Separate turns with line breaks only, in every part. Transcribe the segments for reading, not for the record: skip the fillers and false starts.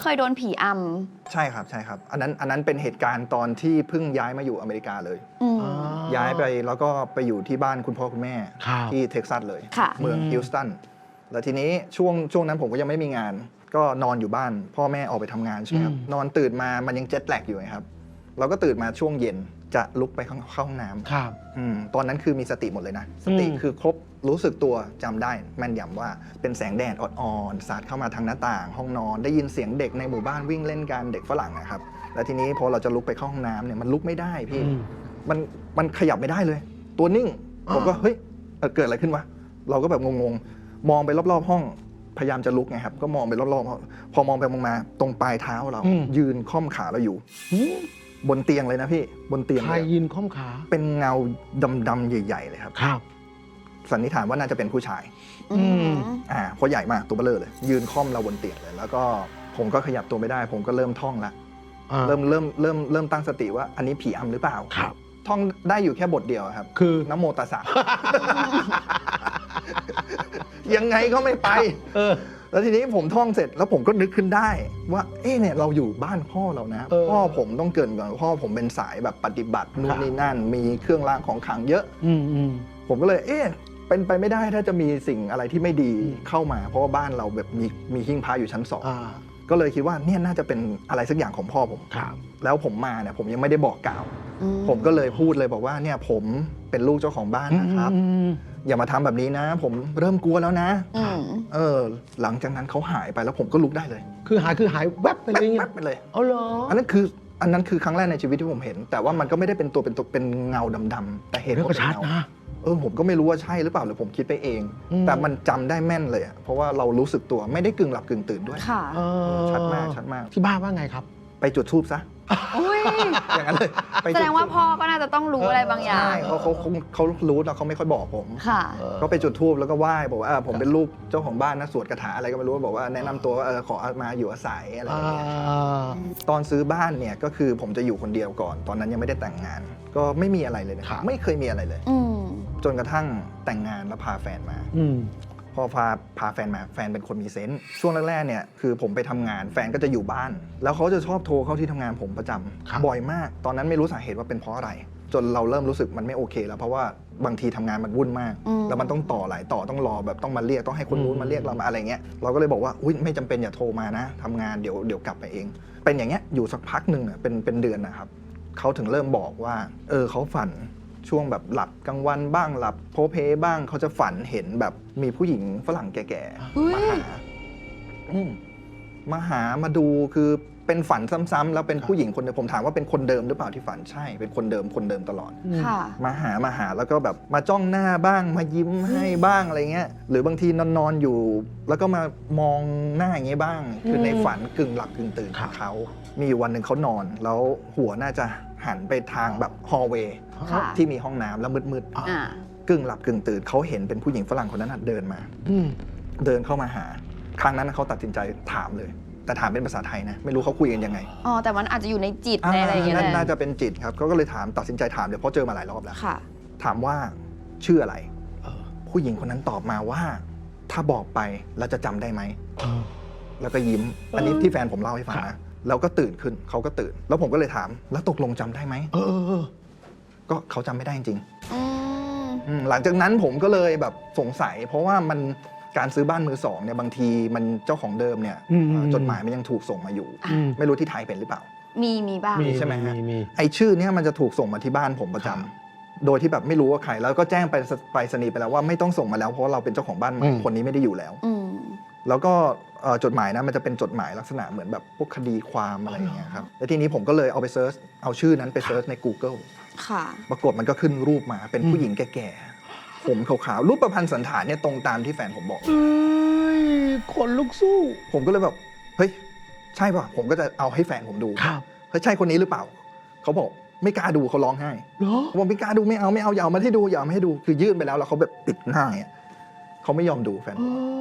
เคยโดนผีอ
ใช่ครับใช่ครับอันนั้นเป็นเหตุการณ์ตอนที่เพิ่งย้ายมาอยู่อเมริกาเลยย้ายไปแล้วก็ไปอยู่ที่บ้านคุณพ่อคุณแม่ที่เท็กซัสเลยเมืองฮิวสตันแล้วทีนี้ช่วงนั้นผมก็ยังไม่มีงานก็นอนอยู่บ้านพ่อแม่ออกไปทำงานใช่ไหมครับนอนตื่นมามันยังเจ็ตแลกอยู่ไงครับเราก็ตื่นมาช่วงเย็นจะลุกไปเข้าห้องน้ำตอนนั้นคือมีสติหมดเลยนะสติคือครบรู้สึกตัวจำได้แม่นยำว่าเป็นแสงแดดอ่อนๆสาดเข้ามาทางหน้าต่างห้องนอนได้ยินเสียงเด็กในหมู่บ้านวิ่งเล่นกันเด็กฝรั่งนะครับแล้วทีนี้พอเราจะลุกไปเข้าห้องน้ำเนี่ยมันลุกไม่ได้พี่มันขยับไม่ได้เลยตัวนิ่งผมก็เฮ้ยเกิดอะไรขึ้นวะเราก็แบบงงๆมองไปรอบๆห้องพยายามจะลุกไงครับก็มองไปรอบๆพอมองไปมองมาตรงปลายเท้าเรายืนค่อมขาเราอยู่บนเตียงเลยนะพี่บนเตียง
ใครยืนค่อมขา
เป็นเงาดำๆใหญ่ๆเลยครับสันนิษฐานว่าน่าจะเป็นผู้ชายเพราะใหญ่มากตัวเบลอเลยยืนค่อมเราบนเตียงเลยแล้วก็ผมก็ขยับตัวไม่ได้ผมก็เริ่มท่องละเริ่มตั้งสติว่าอันนี้ผีอำหรือเปล่าท่องได้อยู่แค่บทเดียวครับ
คือ
นะโมตัสสะยังไงก็ไม่ไปแล้วทีนี้ผมท่องเสร็จแล้วผมก็นึกขึ้นได้ว่าเนี่ยเราอยู่บ้านพ่อเรานะพ่อผมต้องเกินก่อนพ่อผมเป็นสายแบบปฏิบัตินู่นนี่นั่นมีเครื่องรางของขลังเยอะผมก็เลยเป็นไปไม่ได้ถ้าจะมีสิ่งอะไรที่ไม่ดีเข้ามาเพราะว่าบ้านเราแบบมีหิ้งพระอยู่ชั้น2ก็เลยคิดว่าเนี่ยน่าจะเป็นอะไรสักอย่างของพ่อผมแล้วผมมาเนี่ยผมยังไม่ได้บอกกล่าวผมก็เลยพูดเลยบอกว่าเนี่ยผมเป็นลูกเจ้าของบ้านนะครับอย่ามาทำแบบนี้นะผมเริ่มกลัวแล้วนะหลังจากนั้นเขาหายไปแล้วผมก็ลุกได้เลย
คือหายแวบไปเลย
แวบไปเลย
อ๋อเหรอ
อันนั้นคือครั้งแรกในชีวิตที่ผมเห็นแต่ว่ามันก็ไม่ได้เป็นตัวเป็นเงาดำๆแต่เห็นว่าเป็นเงาผมก็ไม่รู้ว่าใช่หรือเปล่าหรือผมคิดไปเองแต่มันจำได้แม่นเลยเพราะว่าเรารู้สึกตัวไม่ได้กึ่งหลับกึ่งตื่นด้วยชัดมาก
ที่บ้านว่าไงครับ
ไปจุดธูปซะอย่างนั้นเลย
แสดงว่าพ่อก็น่าจะต้องรู้อะไรบางอย่าง
ใช่เขารู้แต่เขาไม่ค่อยบอกผมก็ไปจุดธูปแล้วก็ไหว้บอกว่าผมเป็นลูกเจ้าของบ้านนะสวดคาถาอะไรก็ไม่รู้บอกว่าแนะนำตัวว่าขอมาอยู่อาศัยอะไรอย่างเงี้ยตอนซื้อบ้านเนี่ยก็คือผมจะอยู่คนเดียวก่อนตอนนั้นยังไม่ได้แต่งงานก็ไม่มีอะไรเลยนะครับไม่เคยมีอะไรเลยจนกระทั่งแต่งงานแล้วพาแฟนมาพอพาแฟนมาแฟนเป็นคนมีเซนส์ช่วงแรกๆเนี่ยคือผมไปทำงานแฟนก็จะอยู่บ้านแล้วเขาจะชอบโทรเข้าที่ทำงานผมประจำบ่อยมากตอนนั้นไม่รู้สาเหตุว่าเป็นเพราะอะไรจนเราเริ่มรู้สึกมันไม่โอเคแล้วเพราะว่าบางทีทำงานมันวุ่นมากแล้วมันต้องต่อหลายต่อต้องรอแบบต้องมาเรียกต้องให้คนนู้นมาเรียกเรามาอะไรเงี้ยเราก็เลยบอกว่าอุ๊ยไม่จำเป็นอย่าโทรมานะทำงานเดี๋ยวกลับไปเองเป็นอย่างเงี้ยอยู่สักพักหนึ่งเป็นเดือนนะครับเขาถึงเริ่มบอกว่าเขาฝันช่วงแบบหลับกลางวันบ้างหลับโพเพบ้างเขาจะฝันเห็นแบบมีผู้หญิงฝรั่งแก่ๆมาหามาดูคือเป็นฝันซ้ำๆแล้วเป็นผู้หญิงคนเดิมผมถามว่าเป็นคนเดิมหรือเปล่าที่ฝันใช่เป็นคนเดิมตลอดมาหาแล้วก็แบบมาจ้องหน้าบ้างมายิ้มให้บ้างอะไรเงี้ยหรือบางทีนอนอยู่แล้วก็มามองหน้าอย่างเงี้ยบ้างคือในฝันกึ่งหลับกึ่งตื่นของเขามีอยู่วันหนึ่งเขานอนแล้วหัวน่าจะหันไปทางแบบฮอลล์เวย์ที่มีห้องน้ำแล้วมืดๆกึ่งหลับกึ่งตื่นเขาเห็นเป็นผู้หญิงฝรั่งคนนั้นเดินมาเดินเข้ามาหาครั้งนั้นเขาตัดสินใจถามเลยแต่ถามเป็นภาษาไทยนะไม่รู้เขาคุยกันยังไง
แต่มันอาจจะอยู่ในจิตในอะไรอย่างเงี้ย
น่าจะเป็นจิตครับเขาก็เลยตัดสินใจถามเดี๋ยวเพราะเจอมาหลายรอบแล้วถามว่าชื่ออะไรผู้หญิงคนนั้นตอบมาว่าถ้าบอกไปแล้วจะจำได้ไหมแล้วก็ยิ้มอันนี้ที่แฟนผมเล่าให้ฟังนะแล้วก็ตื่นขึ้นเขาก็ตื่นแล้วผมก็เลยถามแล้วตกลงจำได้ไหมก็เขาจำไม่ได้จริงหลังจากนั้นผมก็เลยแบบสงสัยเพราะว่ามันการซื้อบ้านมือสองเนี่ยบางทีมันเจ้าของเดิมเนี่ยจดหมายมันยังถูกส่งมาอยู่ไม่รู้ที่ไทยเป็นหรือเปล่า
มีบ้าง
ใช่ไหมฮะไอชื่อเนี่ยมันจะถูกส่งมาที่บ้านผมประจำโดยที่แบบไม่รู้ว่าใครแล้วก็แจ้งไปสนีย์ไปแล้วว่าไม่ต้องส่งมาแล้วเพราะเราเป็นเจ้าของบ้านใหม่คนนี้ไม่ได้อยู่แล้วแล้วก็จดหมายนะมันจะเป็นจดหมายลักษณะเหมือนแบบพวกคดีความอะไรอย่างเงี้ยครับแล้วทีนี้ผมก็เลยเอาไปเซิร์ชเอาชื่อนั้นไปเซิร์ชใน Google ปรากฏมันก็ขึ้นรูปมาเป็นผู้หญิงแก่ๆผมขาวๆรูปประพันธ์สันฐานเนี่ยตรงตามที่แฟนผมบอก
คนลุกสู้
ผมก็เลยแบบเฮ้ยใช่ป่ะผมก็จะเอาให้แฟนผมดูเฮ้ยใช่คนนี้หรือเปล่าเขาบอกไม่กล้าดูเขาร้องไห้ผมบอกไม่กล้าดูไม่เอาอย่าเอามาให้ดูคือยื่นไปแล้วเขาแบบปิดหน้าเขาไม่ยอมดูแฟนผม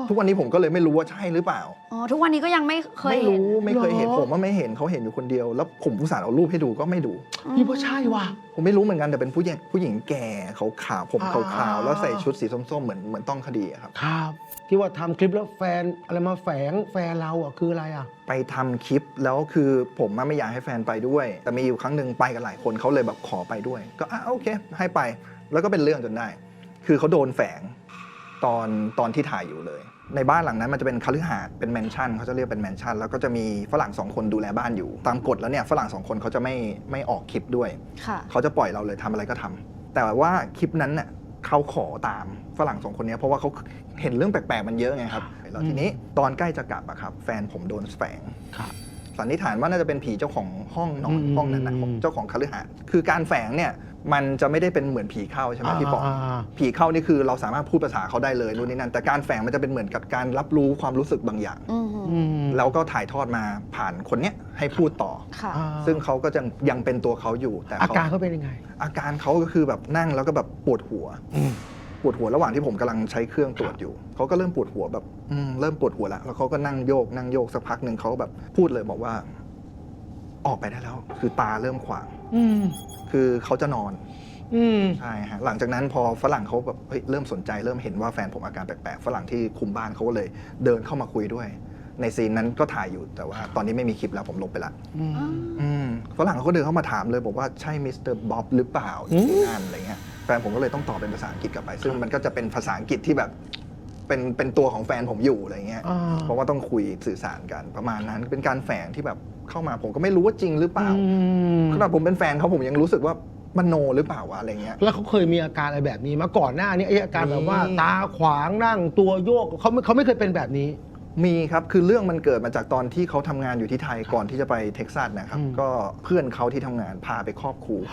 ทุกวันนี้ผมก็เลยไม่รู้ว่าใช่หรือเปล่า
อ๋อทุกวันนี้ก็ยังไม่เคย
ไม่
เห็น
รู้ไม่เคยเห็นผมว่าไม่เห็นเขาเห็นอยู่คนเดียวแล้วผมอุตส่าห์เอารูปให้ดูก็ไม่ดู
พี่ว่าใช่ว่ะ
ผมไม่รู้เหมือนกันแต่เป็นผู้หญิงแก่ขาวผมขาวๆแล้วใส่ชุดสีส้มๆเหมือนต้องคดีครับ
ครับที่ว่าทำคลิปแล้วแฟนอะไรมาแฝงแฟนเราอ่ะคืออะไรอ่ะ
ไปทำคลิปแล้วคือผมไม่อยากให้แฟนไปด้วยแต่มีอยู่ครั้งหนึ่งไปกันหลายคนเขาเลยแบบขอไปด้วยก็โอเคให้ไปแล้วก็เป็นเรื่องจนได้คือเขาโดนแฝงตอนที่ถ่ายอยู่เลยในบ้านหลังนั้นมันจะเป็นคฤหาสน์เป็นแมนชั่นเขาจะเรียกเป็นแมนชั่นแล้วก็จะมีฝรั่ง2คนดูแลบ้านอยู่ตามกฎแล้วเนี่ยฝรั่ง2คนเขาจะไม่ออกคลิปด้วยเขาจะปล่อยเราเลยทำอะไรก็ทำแต่ว่าคลิปนั้นเนี่ยเขาขอตามฝรั่ง2คนนี้เพราะว่าเขาเห็นเรื่องแปลกๆมันเยอะไงครับแล้วทีนี้ตอนใกล้จะกลับอะครับแฟนผมโดนแฝงสันนิษฐานว่าน่าจะเป็นผีเจ้าของห้องนอนห้องนั้นนะเจ้าของคฤหาสน์คือการแฝงเนี่ยมันจะไม่ได้เป็นเหมือนผีเข้าใช่ไหมพี่ปอผีเข้านี่คือเราสามารถพูดภาษาเขาได้เลยนู่นนี่นั่นแต่การแฝงมันจะเป็นเหมือนกับการรับรู้ความรู้สึกบางอย่างแล้วก็ถ่ายทอดมาผ่านคนเนี้ยให้พูดต่อซึ่งเขาก็ยังเป็นตัวเขาอยู่แต่
อาการเขาเป็นยังไง
อาการเขาก็คือแบบนั่งแล้วก็แบบปวดหัวระหว่างที่ผมกำลังใช้เครื่องตรวจอยู่เขาก็เริ่มปวดหัวแบบเริ่มปวดหัวแล้วเขาก็นั่งโยกสักพักหนึ่งเขาแบบพูดเลยบอกว่าออกไปได้แล้วคือตาเริ่มขวางคือเขาจะนอนใช่ฮะหลังจากนั้นพอฝรั่งเขาแบบเริ่มสนใจเริ่มเห็นว่าแฟนผมอาการแปลกๆฝรั่งที่คุมบ้านเขาก็เลยเดินเข้ามาคุยด้วยในซีนนั้นก็ถ่ายอยู่แต่ว่าตอนนี้ไม่มีคลิปแล้วผมลบไปละฝรั่งเขาก็เดินเข้ามาถามเลยบอกว่าใช่มิสเตอร์บ๊อบหรือเปล่านั่นอะไรเงี้ยแฟนผมก็เลยต้องตอบเป็นภาษาอังกฤษกลับไปซึ่งมันก็จะเป็นภาษาอังกฤษที่แบบเป็นตัวของแฟนผมอยู่อะไรเงี้ยเพราะว่าต้องคุยสื่อสารกันประมาณนั้นเป็นการแฝงที่แบบเข้ามาผมก็ไม่รู้ว่าจริงหรือเปล่าขนาดผมเป็นแฟนเขาผมยังรู้สึกว่ามโนหรือเปล่าวะอะไรเงี้ย
แล้วเขาเคยมีอาการอะไรแบบนี้มาก่อนหน้านี้ไอ้อาการแบบว่าตาขวางนั่งตัวโยกเขาไม่เคยเป็นแบบนี้
มีครับคือเรื่องมันเกิดมาจากตอนที่เขาทำงานอยู่ที่ไทยก่อนที่จะไปเท็กซัสนะครับก็เพื่อนเขาที่ทำงานพาไปครอบครู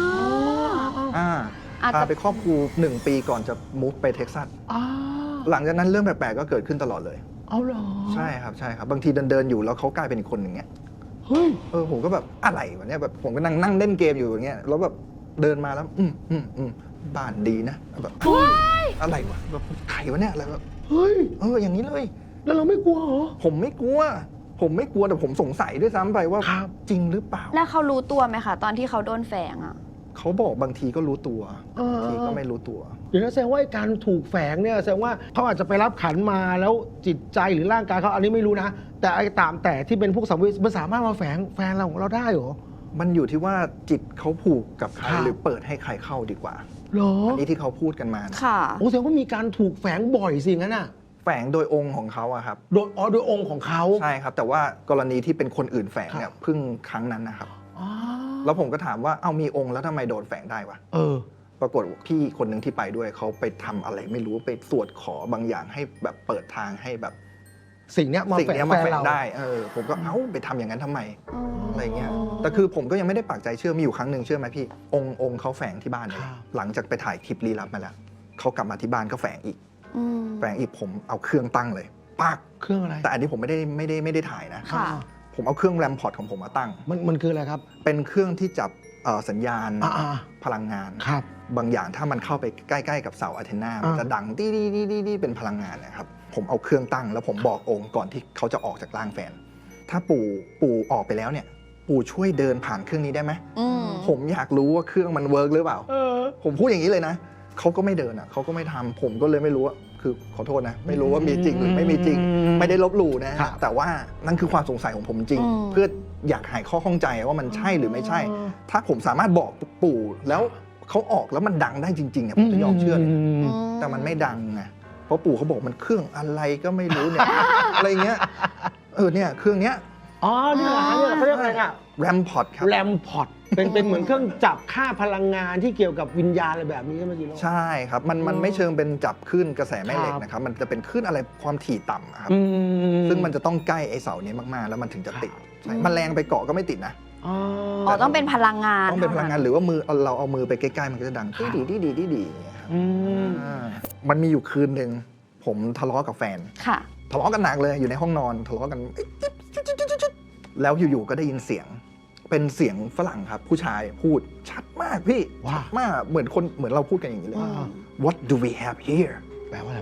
พาไปครอบครู1 ปีก่อนจะมุฟไปเท็กซัสหลังจากนั้นเรื่องแปลกๆก็เกิดขึ้นตลอดเลย
เอาเหรอ
ใช่ครับบางทีเดินอยู่แล้วเขากลายเป็นอีกคนหนึ่งเงี้ย
เฮ้ย
ผมก็แบบอะไรวะเนี่ยแบบผมก็นั่งเล่นเกมอยู่อย่างเงี้ยแล้วแบบเดินมาแล้วบ้านดีนะแบบอะไรวะแบบใครวะเนี่ยอะไรแบบ
เฮ้ย
อย่างนี้เลย
แล้วเราไม่กลัวเหรอ
ผมไม่กลัวแต่ผมสงสัยด้วยซ้ำไปว่าจริงหรือเปล่า
แล้วเขารู้ตัวไหมคะตอนที่เขาโดนแฝงอ่ะ
เขาบอกบางทีก็รู้ตัวบางทีก็ไม่รู้ตัว
อย่างนั้นแสดงว่าการถูกแฝงเนี่ยแสดงว่าเขาอาจจะไปรับขันมาแล้วจิตใจหรือร่างกายเขาอันนี้ไม่รู้นะแต่ไอ้ตามแต่ที่เป็นพวกสัมภเวสีมันสามารถมาแฝงแฟนเราของเราได้เหรอ
มันอยู่ที่ว่าจิตเขาผูกกับใครหรือเปิดให้ใครเข้าดีกว่า
เหรอ
อันนี้ที่เขาพูดกันมา
ค่ะ
โอ้แสดงว่ามีการถูกแฝงบ่อยสิงั้นน่ะ
แฝงโดยองค์ของเขาอะครับ
โดยองค์ของเขา
ใช่ครับแต่ว่ากรณีที่เป็นคนอื่นแฝงเนี่ยเพิ่งครั้งนั้นนะครับแล้วผมก็ถามว่าเอามีองค์แล้วทำไมโดนแฝงได้วะปรากฏพี่คนหนึ่งที่ไปด้วยเขาไปทำอะไรไม่รู้ไปสวดขอบางอย่างให้แบบเปิดทางให้แบบ
สิ่งนี้มาแฝง
ได้ผมก็ไปทำอย่างนั้นทำไมอะไรเงี้ยแต่คือผมก็ยังไม่ได้ปักใจเชื่อมีอยู่ครั้งหนึ่งเชื่อไหมพี่องค์เขาแฝงที่บ้านเลยหลังจากไปถ่ายคลิปลี้ลับมาแล้วเขากลับมาที่บ้านก็แฝงอีกผมเอาเครื่องตั้งเลยปัก
เครื่องอะไร
แต่อันนี้ผมไม่ได้ถ่ายนะผมเอาเครื่องแรมพอร์ตของผมมาตั้ง
มันคืออะไรครับ
เป็นเครื่องที่จับสัญญาณพลังงาน
ครับ
บางอย่างถ้ามันเข้าไปใกล้ๆกับเสาอะเทนามันจะดังดีเป็นพลังงานนะครับผมเอาเครื่องตั้งแล้วผมบอกองค์ก่อนที่เขาจะออกจากร่างแฟนถ้าปู่ออกไปแล้วเนี่ยปู่ช่วยเดินผ่านเครื่องนี้ได้ไหมผมอยากรู้ว่าเครื่องมันเวิร์กหรือเปล่าผมพูดอย่างนี้เลยนะเขาก็ไม่เดินเขาก็ไม่ทำผมก็เลยไม่รู้ว่าคือขอโทษนะไม่รู้ว่ามีจริงหรือไม่มีจริงไม่ได้ลบหลู่นะแต่ว่านั่นคือความสงสัยของผมจริงเพื่ออยากหายข้อข้องใจว่ามันใช่หรือไม่ใช่ถ้าผมสามารถบอกปู่แล้วเขาออกแล้วมันดังได้จริงๆเนี่ยผมจะยอมเชื่อเลยแต่มันไม่ดังไงเพราะปู่เขาบอกมันเครื่องอะไรก็ไม่รู้เนี่ยอะไรเงี้ยเนี่ยเครื่องเนี้ย
นี่แหละเขาเรียกอะไรอ่ะ
แรมพอร์ตครับ
แรมพอร์ตเป็นเหมือนเครื่องจับค่าพลังงานที่เกี่ยวกับวิญญาณอะไรแบบนี้ใช่ไหมจีโร่
ใช่ครับมันไม่เชิงเป็นจับคลื่นกระแสแม่เหล็กนะครับมันจะเป็นคลื่นอะไรความถี่ต่ำครับซึ่งมันจะต้องใกล้ไอ้เสานี้มากๆแล้วมันถึงจะติดมันแรงไปเกาะก็ไม่ติดนะ
ต้องเป็นพลังงาน
ต้องเป็นพลังงานหรือว่าเราเอามือไปใกล้ๆมันก็จะดังดีมันมีอยู่คืนหนึ่งผมทะเลาะกับแฟนทะเลาะกันหนักเลยอยู่ในห้องนอนทะเลาะกันแล้วอยู่ๆก็ได้ยินเสียงเป็นเสียงฝรั่งครับผู้ชายพูดชัดมากพี่ชัดมากเหมือนเราพูดกันอย่างนี้เลย What do we have here
แปลว่าอะไรวะ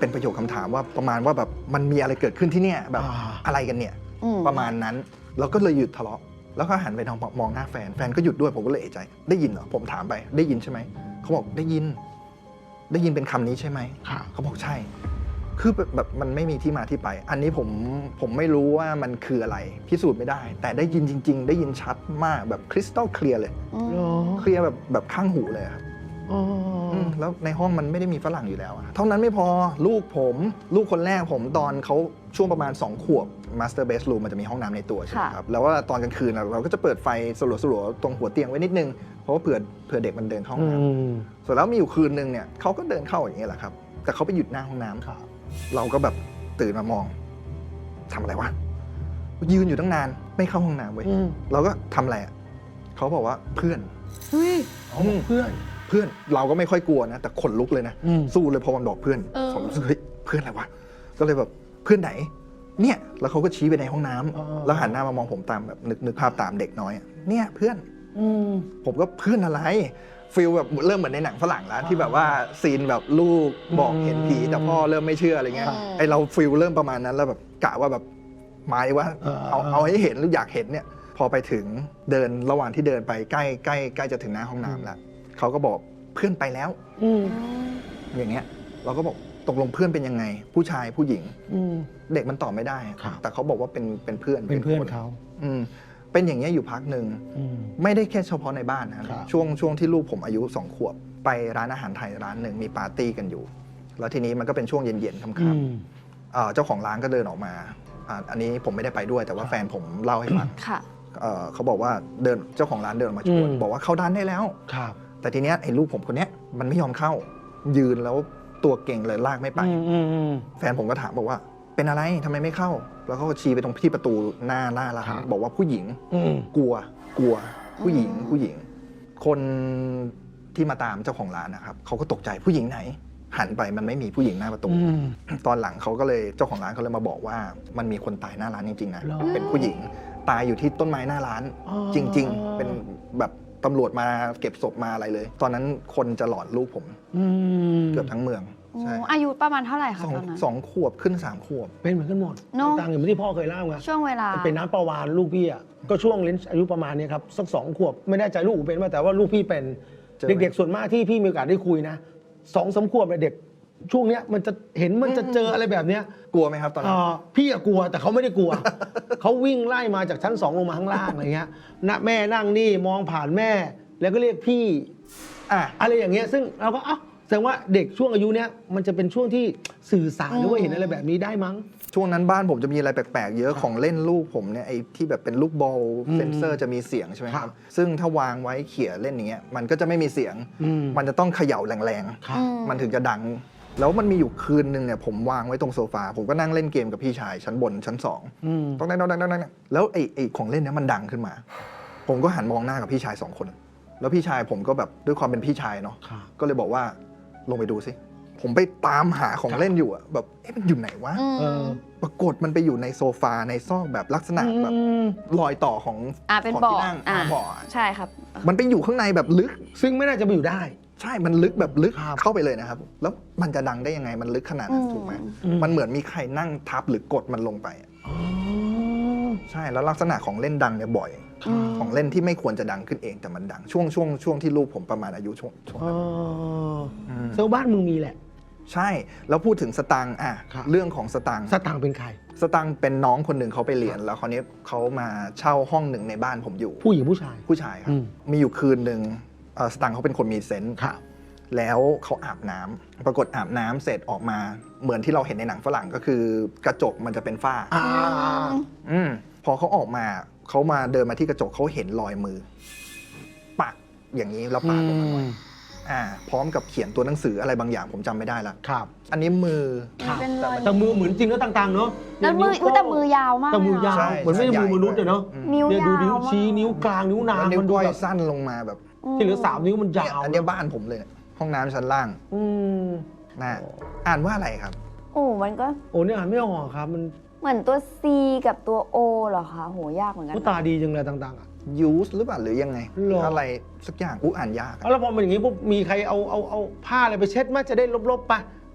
เป็นประโยคคำถามว่าประมาณว่าแบบมันมีอะไรเกิดขึ้นที่เนี่ยแบบอะไรกันเนี่ยประมาณนั้นเราก็เลยหยุดทะเลาะแล้วก็หันไปมองหน้าแฟนก็หยุดด้วยผมก็เลยเอะใจได้ยินเหรอผมถามไปได้ยินใช่ไหมเขาบอกได้ยินเป็นคำนี้ใช่ไหมเขาบอกใช่คือแบบมันไม่มีที่มาที่ไปอันนี้ผมไม่รู้ว่ามันคืออะไรพิสูจน์ไม่ได้แต่ได้ยินจริงๆได้ยินชัดมากแบบคริสตัลเคลียร์เลยเคลียร์แบบข้างหูเลยครับแล้วในห้องมันไม่ได้มีฝรั่งอยู่แล้วเท่านั้นไม่พอลูกคนแรกผมตอนเขาช่วงประมาณ2 ขวบ Master Bedroom มันจะมีห้องน้ำในตัวใช่ไหมครับแล้วว่าตอนกลางคืนเราก็จะเปิดไฟสลัวๆตรงหัวเตียงไว้นิดนึงเพราะว่าเผื่อเด็กมันเดินเข้าห้องน้ำส่วนแล้วมีอยู่คืนนึงเนี่ยเขาก็เดินเข้าอย่างนี้แหละครับแต่เขาไปหยุดหน้าห้องน้ำเราก็แบบตื่นมามองทำอะไรวะยืนอยู่ตั้งนานไม่เข้าห้องน้ำเว้ยเราก็ทำอะไรเขาบอกว่าเพื่อนเพื่อนเราก็ไม่ค่อยกลัวนะแต่ขนลุกเลยนะสู้เลยพอมันบอกเพื่อนผมรู้สึกเฮ้ยเพื่อนอะไรวะก็เลยแบบเพื่อนไหนเนี่ยแล้วเขาก็ชี้ไปในห้องน้ำแล้วหันหน้ามามองผมตามแบบนึกภาพตามเด็กน้อยเนี่ยเพื่อนผมก็เพื่อนอะไรฟีลแบบเริ่มเหมือนในหนังฝรั่งแล้วที่แบบว่าซีนแบบลูกบอกเห็นผีแต่พ่อเริ่มไม่เชื่ออะไรเงี้ยไอเราฟีลเริ่มประมาณนั้นแล้วแบบกะว่าแบบหมายว่าเอาให้เห็นหรืออยากเห็นเนี่ยพอไปถึงเดินระหว่างที่เดินไปใกล้จะถึงหน้าห้องน้ำแล้วเขาก็บอกเพื่อนไปแล้วอย่างเงี้ยเราก็บอกตกลงเพื่อนเป็นยังไงผู้ชายผู้หญิงเด็กมันตอบไม่ได้แต่เขาบอกว่าเป็นเพื่อน
เขา
เป็นอย่างเงี้ยอยู่พักหนึ่งไม่ได้แค่เฉพาะในบ้านนะช่วงที่ลูกผมอายุ2 ขวบไปร้านอาหารไทยร้านหนึ่งมีปาร์ตี้กันอยู่แล้วทีนี้มันก็เป็นช่วงเย็นๆค่ำๆเจ้าของร้านก็เดินออกมาอันนี้ผมไม่ได้ไปด้วยแต่ว่าแฟนผมเล่าให้ฟังเขาบอกว่าเจ้าของร้านเดินมาชวนบอกว่าเข้าด้านได้แล้วแต่ทีเนี้ยไอ้ลูกผมคนเนี้ยมันไม่ยอมเข้ายืนแล้วตัวเก่งเลยลากไม่ไปแฟนผมก็ถามบอกว่าเป็นอะไรทำไมไม่เข้าแล้วเขาก็ชี้ไปตรงที่ประตูหน้าร้านบอกว่าผู้หญิงกลัวผู้หญิงคนที่มาตามเจ้าของร้านนะครับเขาก็ตกใจผู้หญิงไหนหันไปมันไม่มีผู้หญิงหน้าประตูตอนหลังเขาก็เลยเจ้าของร้านเขาเลยมาบอกว่ามันมีคนตายหน้าร้านจริงๆนะเป็นผู้หญิงตายอยู่ที่ต้นไม้หน้าร้านจริงๆเป็นแบบตำรวจมาเก็บศพมาอะไรเลยตอนนั้นคนจะหลอนลูกผมเกือบทั้งเมืองใช่
อายุประมาณเท่าไหร่คะตอนนั้น
2 ขวบขึ้น3 ขวบ
เป็นเหมือนกันหมดต่างอย่างที่พ่อเคยเล่าไง
ช่วงเวลา
เป็นน้ำประวานลูกพี่ก็ช่วงเลนส์อายุประมาณนี้ครับสัก2 ขวบไม่แน่ใจลูกเป็นไหมแต่ว่าลูกพี่เป็นเด็กๆส่วนมากที่พี่มีโอกาสได้คุยนะ2-3 ขวบเด็กช่วงเนี้ยมันจะเจออะไรแบบเนี้ย
กลัวไหมครับตอนนั้น
พี่กลัวแต่เขาไม่ได้กลัว เขาวิ่งไล่มาจากชั้น2ลงมาข้างล่างอะไรเงี้ยแม่นั่งนี่มองผ่านแม่แล้วก็เรียกพี่อะไรอย่างเงี้ยซึ่งเราก็แสดงว่าเด็กช่วงอายุเนี้ยมันจะเป็นช่วงที่สื่อสารหรือว่าเห็นอะไรแบบนี้ได้มั้ง
ช่วงนั้นบ้านผมจะมีอะไรแปลกๆเยอะของเล่นลูกผมเนี่ยไอ้ที่แบบเป็นลูกบอลเซนเซอร์จะมีเสียงใช่ไหมครับซึ่งถ้าวางไว้เขี่ยเล่นอย่างเงี้ยมันก็จะไม่มีเสียงมันจะต้องเขย่าแรงๆมันถึงจะดังแล้วมันมีอยู่คืนนึงเนี่ยผมวางไว้ตรงโซฟาผมก็นั่งเล่นเกมกับพี่ชายชั้นบนชั้น2ต้องดังแล้วไอ้ของเล่นเนี้ยมันดังขึ้นมาผมก็หันมองหน้ากับพี่ชาย2 คนแล้วพี่ชายผมก็แบบด้วยความเป็นพี่ชายเนาะก็เลยบอกว่าลงไปดูสิผมไปตามหาของเล่นอยู่อะแบบมันอยู่ไหนวะปรากฏมันไปอยู่ในโซฟาในซอกแบบลักษณะแบบรอยต่อของ
เป็นบ่อใช่ครับ
มันไปอยู่ข้างในแบบลึก
ซึ่งไม่น่าจะไปอยู่ได้
ใช่มันลึกแบบลึกเข้าไปเลยนะครับแล้วมันจะดังได้ยังไงมันลึกขนาดนั้นถูกไหมมันเหมือนมีใครนั่งทับหรือกดมันลงไปใช่แล้วลักษณะของเล่นดังเนี่ยบ่อยของเล่นที่ไม่ควรจะดังขึ้นเองแต่มันดังช่วงที่ลูกผมประมาณอายุช่วง
เซลบ้านมึงมีแหละ
ใช่แล้วพูดถึงสตังค์เรื่องของสตังค์
เป็นใคร
สตังค์เป็นน้องคนหนึ่งเขาไปเรียนแล้วคราวนี้เขามาเช่าห้องหนึ่งในบ้านผมอยู่
ผู้หญิงผู้
ชายครับมีอยู่คืนหนึ่งสตังค์เขาเป็นคนมีเซนส์แล้วเขาอาบน้ำปรากฏอาบน้ำเสร็จออกมาเหมือนที่เราเห็นในหนังฝรั่งก็คือกระจกมันจะเป็นฝ้าพอเขาออกมาเขามาเดินมาที่กระจกเขาเห็นรอยมือปากอย่างนี้แล้วปากออกมาพร้อมกับเขียนตัวหนังสืออะไรบางอย่างผมจำไม่ได้ละ
ครับ
อันนี้มือ
แต่มือเหมือนจริงแล้วต่างๆเนาะ
แล้วมือยาวมาก
แต่มือยาวเหมือนไม่ใช่มือมนุษย์เลยเนาะ
นิ้วยาว
ดูนิ้วชี้นิ้วกลางนิ้วนาง
นิ้วก้อยสั้นลงมาแบบ
ที่เหลือ3 นิ้วมันยาว
อันนี้บ้านผมเลยห้องน้ำชั้นล่างน่ะอ่านว่าอะไรครับ
มันก็
เนี่ยอ่านไม่ออกครับมัน
เหมือนตัว C กับตัว O เหรอคะโหยากเหมือนกัน
ตาดีจังเลยต่างๆ
use หรือเปล่าหรือยังไงอะไรสักอย่างอ่านยาก
แล้วพอมันอย่างนี้ปุ๊บมีใครเอาผ้าอะไรไปเช็ดมั้ยจะได้ลบๆไป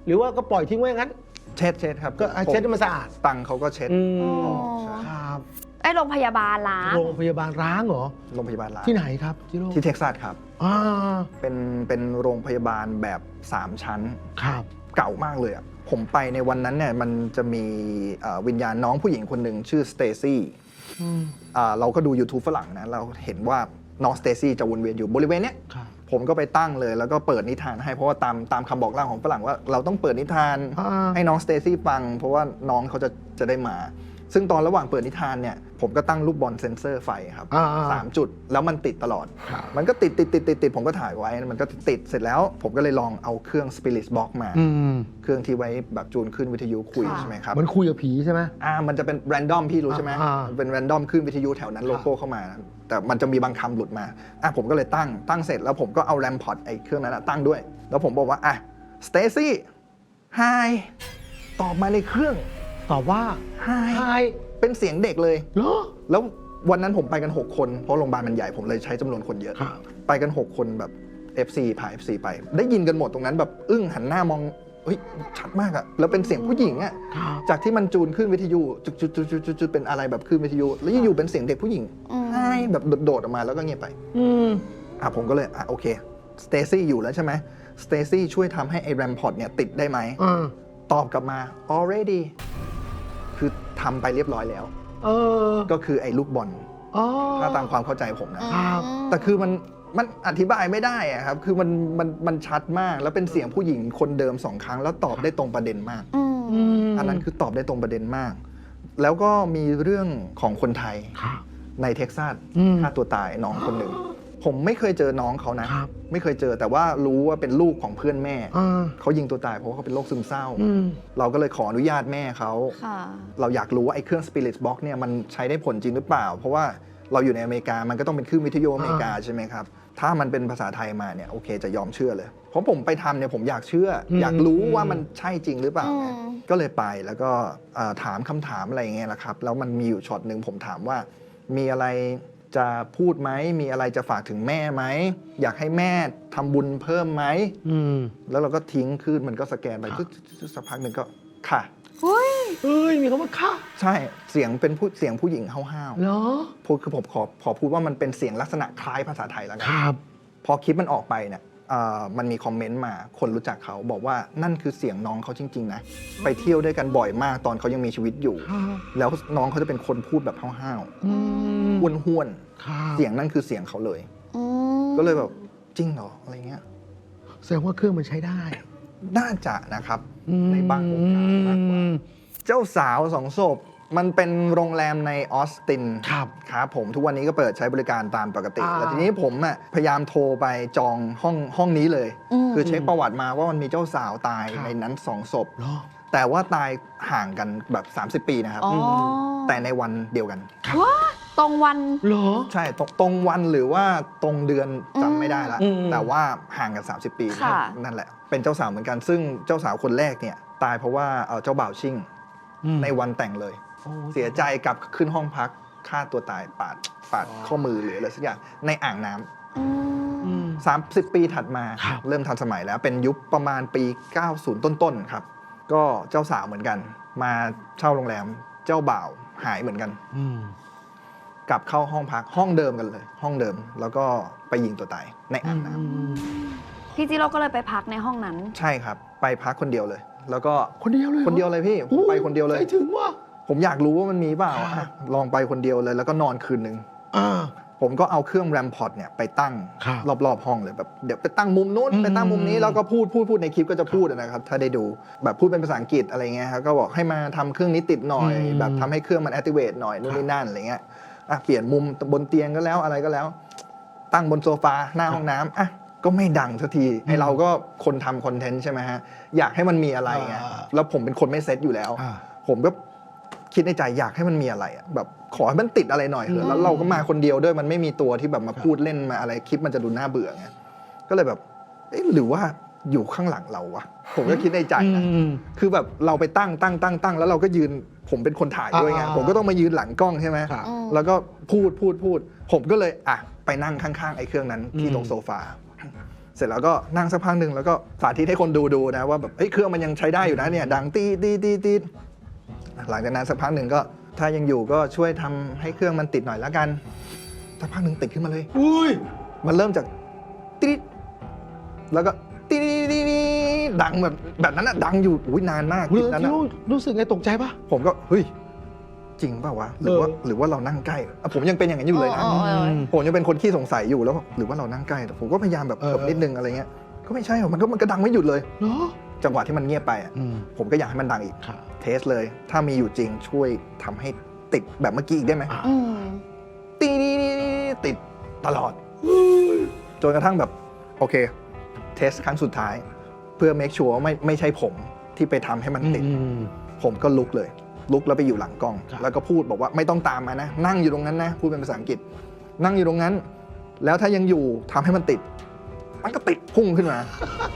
หรือว่าก็ปล่อยทิ้งไว้งั้น
เช็ดครับ
ก็เช็ดให้มันสะอาด
ตังเขาก็เช็ด
อ๋อ
ใช่
ครับ
ไอ้โรงพยาบาลล้าง
โรงพยาบาลร้างเหรอ
โรงพยาบาลล้าง
ที่ไหนครับจิโร่
ที่เท็กซัสครับ
อ่า
เป็นโรงพยาบาลแบบ3ชั้น
ครับ
เก่ามากเลยอ่ะผมไปในวันนั้นเนี่ยมันจะมีวิญญาณน้องผู้หญิงคนหนึ่งชื่อสเตซี่เราก็ดู YouTube ฝรั่งนะเราเห็นว่าน้องสเตซี่จะวนเวียนอยู่บริเวณเนี้ย
ครับ
ผมก็ไปตั้งเลยแล้วก็เปิดนิทานให้เพราะว่าตามคำบอกเล่าของฝรั่งว่าเราต้องเปิดนิทาน ให้น้องสเตซี่ฟังเพราะว่าน้องเขาจะได้มา ซึ่งตอนระหว่างเปิดนิทานเนี่ยผมก็ตั้งลูกบอลเซ็นเซอร์ไฟครับ3 จุดแล้วมันติดตลอด มันก็ติดผมก็ถ่ายไว้มันก็ติดเสร็จแล้วผมก็เลยลองเอาเครื่อง Spirit Box มาเครื่องที่ไว้แบบจูนขึ้นวิทยุคุยใช่ไหมครับ
มันคุยกับผีใช่ไหม
มันจะเป็นแรนดอมพี่รู้ใช่ไหมมันเป็นแรนดอมขึ้นวิทยุแถวนั้นโลโก้เข้ามานะแต่มันจะมีบางคำหลุดมาผมก็เลยตั้งเสร็จแล้วผมก็เอาแรมพอร์ตไอ้เครื่องนั้นตั้งด้วยแล้วผมบอกว่าสเตซี่ไฮตอบมาในเครื่อง
ตอบว่า
ไฮ
ไฮ
เป็นเสียงเด็กเลย
เหรอ
แล้ววันนั้นผมไปกัน 6 คนเพราะโรงพยาบาลมันใหญ่ผมเลยใช้จำนวนคนเยอะ
ครับ
ไปกัน 6 คนแบบ FC พา FC ไปได้ยินกันหมดตรงนั้นแบบอึ้งหันหน้ามองเฮ้ยชัดมากอะแล้วเป็นเสียงผู้หญิงอะ
ครับ
จากที่มันจูนขึ้นวิทยุจุดเป็นอะไรแบบขึ้นวิทยุแล้วอยู่ๆเป็นเสียงเด็กผู้หญิงไฮแบบโดดออกมาแล้วก็เงียบไปผมก็เลยโอเคสเตซี่อยู่แล้วใช่ไหมสเตซี่ช่วยทำให้ไอ้แรมพอร์ตเนี่ยติดได้ไหมตอบกลับมา already คือทำไปเรียบร้อยแล้วก็คือไอ้ลูกบอลถ้าตามความเข้าใจผมนะครับ แต่คือมันอธิบายไม่ได้อะครับคือมันชัดมากแล้วเป็นเสียงผู้หญิงคนเดิม2 ครั้งแล้วตอบได้ตรงประเด็นมากอันนั้นคือตอบได้ตรงประเด็นมาก แล้วก็มีเรื่องของคนไทยในเท็กซัสฆ่าตัวตายน้องคนหนึ่งผมไม่เคยเจอน้องเขานะไม่เคยเจอแต่ว่ารู้ว่าเป็นลูกของเพื่อนแม่เขายิงตัวตายเพราะว่าเขาเป็นโรคซึมเศร้าเราก็เลยขออนุญาตแม่เขาเราอยากรู้ว่าไอ้เครื่อง Spirit Box เนี่ยมันใช้ได้ผลจริงหรือเปล่าเพราะว่าเราอยู่ในอเมริกามันก็ต้องเป็นคลื่นวิทยุอเมริกาใช่ไหมครับถ้ามันเป็นภาษาไทยมาเนี่ยโอเคจะยอมเชื่อเลยเพราะผมไปทำเนี่ยผมอยากเชื่ออยากรู้ว่ามันใช่จริงหรือเปล่าก็เลยไปแล้วก็ถามคำถามอะไรอย่างเงี้ยแหละครับแล้วมันมีอยู่ช็อตหนึ่งผมถามว่ามีอะไรจะพูดไหมมีอะไรจะฝากถึงแม่ไหมอยากให้แม่ทำบุญเพิ่มไหมแล้วเราก็ทิ้งขึ้นมันก็สแกนไปสักพักหนึ่งก็ค่ะ
เฮ้ยมีคำว่าค่ะ
ใช่เสียงเป็นเสียงผู้หญิงห้าวๆ
เหรอ
พูดคือผมขอพูดว่ามันเป็นเสียงลักษณะคล้ายภาษาไทยแล้วกัน
ครับ
พอคลิปมันออกไปเนี่ยมันมีคอมเมนต์มาคนรู้จักเขาบอกว่านั่นคือเสียงน้องเขาจริงๆนะไปเที่ยวด้วยกันบ่อยมากตอนเขายังมีชีวิตอยู่แล้วน้องเขาจะเป็นคนพูดแบบห้าวๆห้วนๆเสียงนั่นคือเสียงเขาเลยก็เลยแบบจริงเหรออะไรเงี้ย
แสดงว่าเครื่องมันใช้ได้
น่าจะนะครับในบางโอกาสมากกว่าเจ้าสาว2 ศพมันเป็นโรงแรมในออสตินครับผมทุกวันนี้ก็เปิดใช้บริการตามปกติแต่ทีนี้ผมพยายามโทรไปจองห้องนี้เลยคือเช็คประวัติมาว่ามันมีเจ้าสาวตายในนั้น2 ศพแต่ว่าตายห่างกันแบบ30 ปีนะครับแต่ในวันเดียวกัน
ตรงวัน
เหรอ
ใช่ตรงวันหรือว่าตรงเดือนจำไม่ได้ละแต่ว่าห่างกัน30 ปีนั่นแหละเป็นเจ้าสาวเหมือนกันซึ่งเจ้าสาวคนแรกเนี่ยตายเพราะว่าเจ้าบ่าวชิ่งในวันแต่งเลยเสียใจกลับขึ้นห้องพักฆ่าตัวตายปาดข้อมือหรืออะไรสักอย่างในอ่างน้ำ30 ปีถัดมาเริ่มทันสมัยแล้วเป็นยุคประมาณปี90ต้นๆครับก็เจ้าสาวเหมือนกันมาเช่าโรงแรมเจ้าบ่าวหายเหมือนกันกลับเข้าห้องพักห้องเดิมกันเลยห้องเดิมแล้วก็ไปยิงตัวตายในอ่างน้
ำพี่จิโร่ก็เลยไปพักในห้องนั้น
ใช่ครับไปพักคนเดียวเลยแล้วก็
คนเดียว
เลยพี่ผมไปคนเดียวเลย
ถึงว่า
ผมอยากรู้ว่ามันมีเปล่าลองไปคนเดียวเลยแล้วก็นอนคืนนึงผมก็เอาเครื่องแรมพอร์ตเนี่ยไปตั้งรอบๆห้องเลยแบบเดี๋ยวไปตั้งมุมนู้นไปตั้งมุมนี้แล้วก็พูดในคลิปก็จะพูดนะครับถ้าได้ดูแบบพูดเป็นภาษาอังกฤษอะไรเงี้ยครับก็บอกให้มาทำเครื่องนี้ติดหน่อยแบบทำให้เครื่องมัน activate หน่อยนู่นนี่นั่นอะไรเงี้ยเปลี่ยนมุมบนเตียงก็แล้วอะไรก็แล้วตั้งบนโซฟาหน้าห้องน้ำก็ไม่ดังสักทีไอเราก็คนทำคอนเทนต์ใช่ไหมฮะอยากให้มันมีอะไรไงแล้วผมเป็นคนไม่เซ็ตอยู่แล้วผมก็คิดในใจอยากให้มันมีอะไรแบบขอให้มันติดอะไรหน่อยเถอะแล้วเราก็มาคนเดียวด้วยมันไม่มีตัวที่แบบมาพูดเล่นมาอะไรคลิปมันจะดูน่าเบื่อไงก็เลยแบบหรือว่าอยู่ข้างหลังเราวะผมก็คิดในใจนะคือแบบเราไปตั้งแล้วเราก็ยืนผมเป็นคนถ่ายด้วยไงผมก็ต้องมายืนหลังกล้องใช่ไหมแล้วก็พูดผมก็เลยไปนั่งข้างๆไอ้เครื่องนั้นที่ตรงโซฟาเสร็จแล้วก็นั่งสักพักหนึ่งแล้วก็สาธิตให้คนดูนะว่าแบบเครื่องมันยังใช้ได้อยู่นะเนี่ยดังตีหลังจากนั้นสักพักหนึ่งก็ถ้ายังอยู่ก็ช่วยทำให้เครื่องมันติดหน่อยแล้วกันสักพักหนึ่งติดขึ้นมาเลย
อุ้ย
มันเริ่มจากตีดแล้วก็ตีดดังแบบนั้นอะดังอยู่นานมาก
รู้
นั้นอะ
รู้สึกไงตกใจปะ
ผมก็เฮ้ยจริงเปล่าวะหรือว่าเรานั่งใกล้ผมยังเป็นอย่างนั้นอยู่เลยนะ ผมยังเป็นคนขี้สงสัยอยู่แล้วหรือว่าเรานั่งใกล้แต่ผมก็พยายามแบบเถิบนิดนึงอะไรเงี้ยก็ไม่ใช่หรอกมันก็ดังไม่หยุดเลย
เนาะ
จังหวะที่มันเงียบไปอะผมก็อยากให้มันดังอีก
ครับ
เทสเลยถ้ามีอยู่จริงช่วยทำให้ติดแบบเมื่อกี้อีกได้ไหมตีติดตลอดจนกระทั่งแบบโอเคเทสครั้งสุดท้ายเพื่อ make sure ว่าไม่ใช่ผมที่ไปทำให้มันติดผมก็ลุกแล้วไปอยู่หลังกล้อง แล้วก็พูดบอกว่าไม่ต้องตามมานะนั่งอยู่ตรงนั้นนะพูดเป็นภาษาอังกฤษนั่งอยู่ตรงนั้นแล้วถ้ายังอยู่ทำให้มันติดมันก็ติดพุ่งขึ้นมา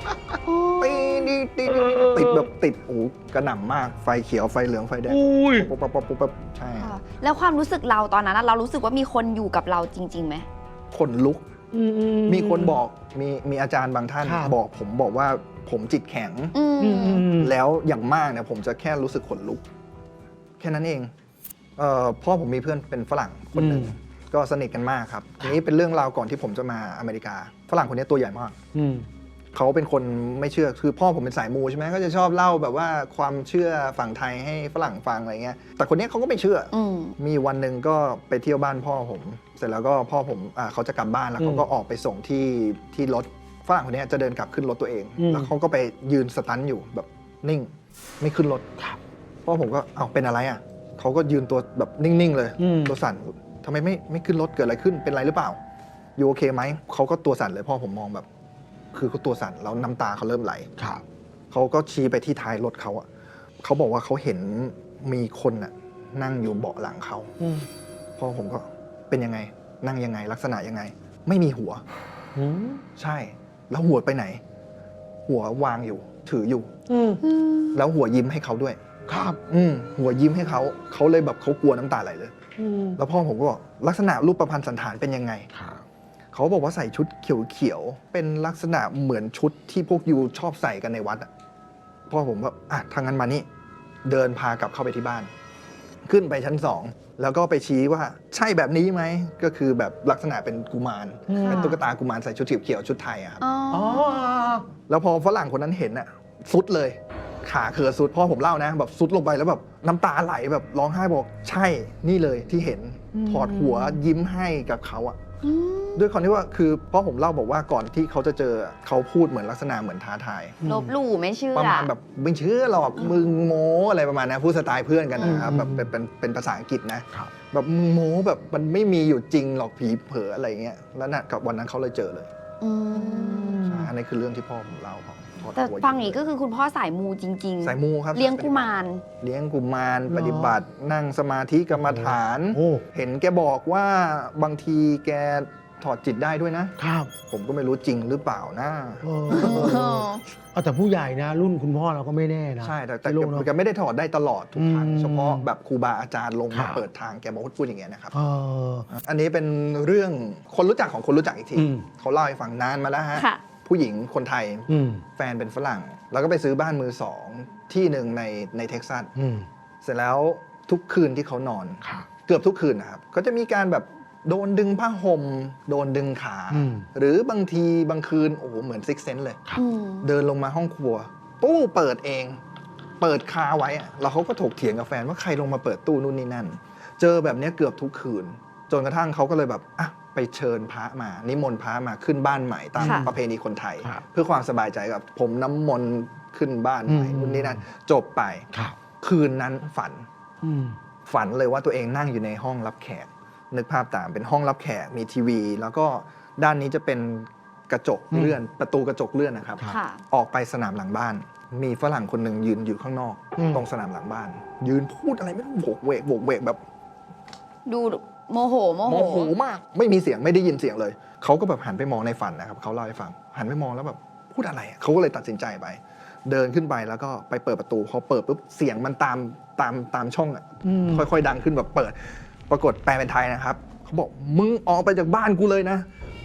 ติดแบบติดโอ้กระหน่ำมากไฟเขียวไฟเหลืองไฟแดงปุ๊บใช่
แล้วความรู้สึกเราตอนนั้นเรารู้สึกว่ามีคนอยู่กับเราจริงๆไหม
ขนลุกมีคนบอกมีอาจารย์บางท่านบอกว่าผมจิตแข็งแล้วอย่างมากเนี่ยผมจะแค่รู้สึกขนลุกแค่นั้นเองพ่อผมมีเพื่อนเป็นฝรั่งคนหนึ่งก็สนิทกันมากครับนี้เป็นเรื่องราวก่อนที่ผมจะมาอเมริกาฝรั่งคนนี้ตัวใหญ่มากเขาเป็นคนไม่เชื่อคือพ่อผมเป็นสายมูใช่ไหมก็จะชอบเล่าแบบว่าความเชื่อฝั่งไทยให้ฝรั่งฟังอะไรเงี้ยแต่คนนี้เขาก็ไม่เชื่อมีวันหนึ่งก็ไปเที่ยวบ้านพ่อผมเสร็จแล้วก็พ่อผมเขาจะกลับบ้านแล้วเขาก็ออกไปส่งที่รถฝรั่งคนนี้จะเดินกลับขึ้นรถตัวเองแล้วเขาก็ไปยืนสตันอยู่แบบนิ่งไม่ขึ้นรถพ่อผมก็เป็นอะไรอ่ะเขาก็ยืนตัวแบบนิ่งๆเลยตัวสั่นทำไมไม่ขึ้นรถเกิดอะไรขึ้นเป็นไรหรือเปล่าอยู่โอเคไหมเขาก็ตัวสั่นเลยพ่อผมมองแบบคือเขาตัวสั่นแล้วน้ำตาเขาเริ่มไหลเขาก็ชี้ไปที่ท้ายรถเขาอ่ะเขาบอกว่าเขาเห็นมีคนอ่ะนั่งอยู่เบาะหลังเขาพ่อผมก็เป็นยังไงนั่งยังไงลักษณะยังไงไม่มีหัวใช่แล้วหัวไปไหนหัววางอยู่ถืออยู่แล้วหัวยิ้มให้เขาด้วยครับหัวยิ้มให้เขาเลยแบบเขากลัวน้ำตาไหลเลยแล้วพ่อผมก็บอกลักษณะรูปประพันธ์สันฐานเป็นยังไงเขาบอกว่าใส่ชุดเขียวๆเป็นลักษณะเหมือนชุดที่พวกยูชอบใส่กันในวัดพ่อผมก็ทางนั้นมานี่เดินพากลับเข้าไปที่บ้านขึ้นไปชั้น2แล้วก็ไปชี้ว่าใช่แบบนี้ไหมก็คือแบบลักษณะเป็นกุมารเป็นตุ๊กตากุมารใส่ชุดเขียวๆชุดไทยครับแล้วพอฝรั่งคนนั้นเห็นสุดเลยขาเขือสุดพ่อผมเล่านะแบบสุดลงไปแล้วแบบน้ำตาไหลแบบร้องไห้บอกใช่นี่เลยที่เห็นถอดหัวยิ้มให้กับเขาด้วยความที่ว่าคือพ่อผมเล่าบอกว่าก่อนที่เขาจะเจอเขาพูดเหมือนลักษณะเหมือนท้าทาย
ลบหลู่ไม่เชื่อ
ประมาณแบบไม่เชื่อหรอกมึงโม้อะไรประมาณนั้นพูดสไตล์เพื่อนกันนะครับแบบเป็นภาษาอังกฤษนะแบบมึงโม้แบบมันไม่มีอยู่จริงหรอกผีเผลออะไรเงี้ยแล้วน่ะกับวันนั้นเขาเลยเจอเลยใช่อันนี้คือเรื่องที่พ่อผมเล่า
แต่ฟังนี้ก็คือคุณพ่อสายมูจริงๆ
สายมูครับ
เลี้ยงกุมาร
ปฏิบัตินั่งสมาธิกรรมฐานเห็นแกบอกว่าบางทีแกถอดจิตได้ด้วยนะครับผมก็ไม่รู้จริงหรือเปล่านะ
แต่ผู้ใหญ่นะรุ่นคุณพ่อเราก็ไม่แน่นะ
ใช่แต่แกไม่ได้ถอดได้ตลอดทุกครั้งเฉพาะแบบครูบาอาจารย์ลงมาเปิดทางแกบอกพูดอย่างเงี้ยนะครับอันนี้เป็นเรื่องคนรู้จักของคนรู้จักอีกทีเขาเล่าให้ฟังนานมาแล้วฮะผู้หญิงคนไทยแฟนเป็นฝรั่งแล้วก็ไปซื้อบ้านมือ2ที่หนึ่งในเท็กซัสเสร็จแล้วทุกคืนที่เขานอนเกือบทุกคืนนะครับก็จะมีการแบบโดนดึงผ้าห่มโดนดึงขาหรือบางทีบางคืนโอ้โหเหมือนซิกเซนส์เลยเดินลงมาห้องครัวตู้เปิดเองเปิดคาไว้แล้วเขาก็ถกเถียงกับแฟนว่าใครลงมาเปิดตู้นู่นนี่นั่นเจอแบบนี้เกือบทุกคืนจนกระทั่งเขาก็เลยแบบไปเชิญพระมานิมนต์พระมาขึ้นบ้านใหม่ตามประเพณีคนไทยเพื่อความสบายใจกับผมน้ำมนต์ขึ้นบ้านใหม่นู่นนี่นั่นจบไปคืนนั้นฝันเลยว่าตัวเองนั่งอยู่ในห้องรับแขกนึกภาพตามเป็นห้องรับแขกมีทีวีแล้วก็ด้านนี้จะเป็นกระจกเลื่อนประตูกระจกเลื่อนนะครับออกไปสนามหลังบ้านมีฝรั่งคนหนึ่งยืนอยู่ข้างนอกตรงสนามหลังบ้านยืนพูดอะไรไม่รู้โวกเวกแบบ
ดูโมโห
มากไม่มีเสียงไม่ได้ยินเสียงเลยเขาก็แบบหันไปมองในฝันนะครับเขาเล่าให้ฟังหันไปมองแล้วแบบพูดอะไรเขาก็เลยตัดสินใจไปเดินขึ้นไปแล้วก็ไปเปิดประตูพอเปิดปุ๊บเสียงมันตามช่องค่อยๆดังขึ้นแบบเปิดปรากฏแปลเป็นไทยนะครับเขาบอกมึงออกไปจากบ้านกูเลยนะก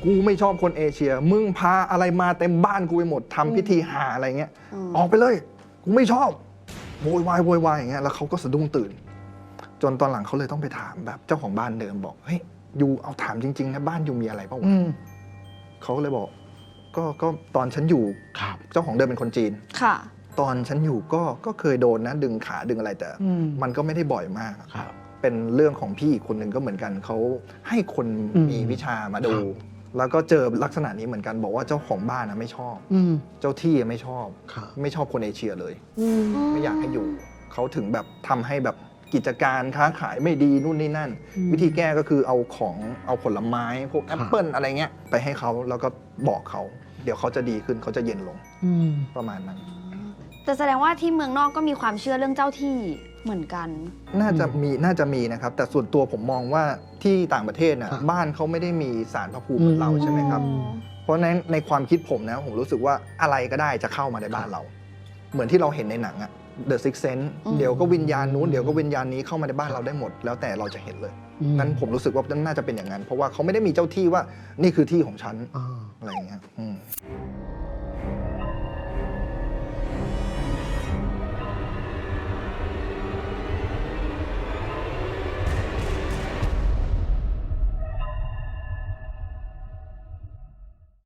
กูไม่ชอบคนเอเชียมึงพาอะไรมาเต็มบ้านกูไปหมดทำพิธีหาอะไรเงี้ยออกไปเลยกูไม่ชอบโวยวายโวยวายอย่างเงี้ยแล้วเขาก็สะดุ้งตื่นจนตอนหลังเขาเลยต้องไปถามแบบเจ้าของบ้านเดิมบอกเฮ้ยยูเอาถามจริงๆนะบ้านยูมีอะไรเปล่าวะเขาเลยบอกก็ตอนฉันอยู่เจ้าของเดิมเป็นคนจีน
ค่ะ
ตอนฉันอยู่ก็เคยโดนนะดึงขาดึงอะไรแต่มันก็ไม่ได้บ่อยมากเป็นเรื่องของพี่อีกคนหนึ่งก็เหมือนกันเขาให้คนมีวิชามาดูแล้วก็เจอลักษณะนี้เหมือนกันบอกว่าเจ้าของบ้านนะไม่ชอบเจ้าที่ไม่ชอบคนเอเชียเลยไม่อยากให้อยู่เขาถึงแบบทำให้แบบกิจการค้าขายไม่ดีนู่นนี่นั่นวิธีแก้ก็คือเอาผลไม้พวกแอปเปิลอะไรเงี้ยไปให้เขาแล้วก็บอกเขาเดี๋ยวเขาจะดีขึ้นเขาจะเย็นลงประมาณนั้น
แต่แสดงว่าที่เมืองนอกก็มีความเชื่อเรื่องเจ้าที่เหมือนกัน
น่าจะมีนะครับแต่ส่วนตัวผมมองว่าที่ต่างประเทศน่ะบ้านเขาไม่ได้มีศาลพระภูมิเหมือนเราใช่ไหมครับเพราะในความคิดผมนะผมรู้สึกว่าอะไรก็ได้จะเข้ามาในบ้านเราเหมือนที่เราเห็นในหนังอะ The Sixth Sense เดี๋ยวก็วิญญาณนู้นเดี๋ยวก็วิญญาณนี้เข้ามาในบ้านเราได้หมดแล้วแต่เราจะเห็นเลยนั้นผมรู้สึกว่าน่าจะเป็นอย่างนั้นเพราะว่าเขาไม่ได้มีเจ้าที่ว่านี่คือที่ของฉันอะไรอย่างเงี้ย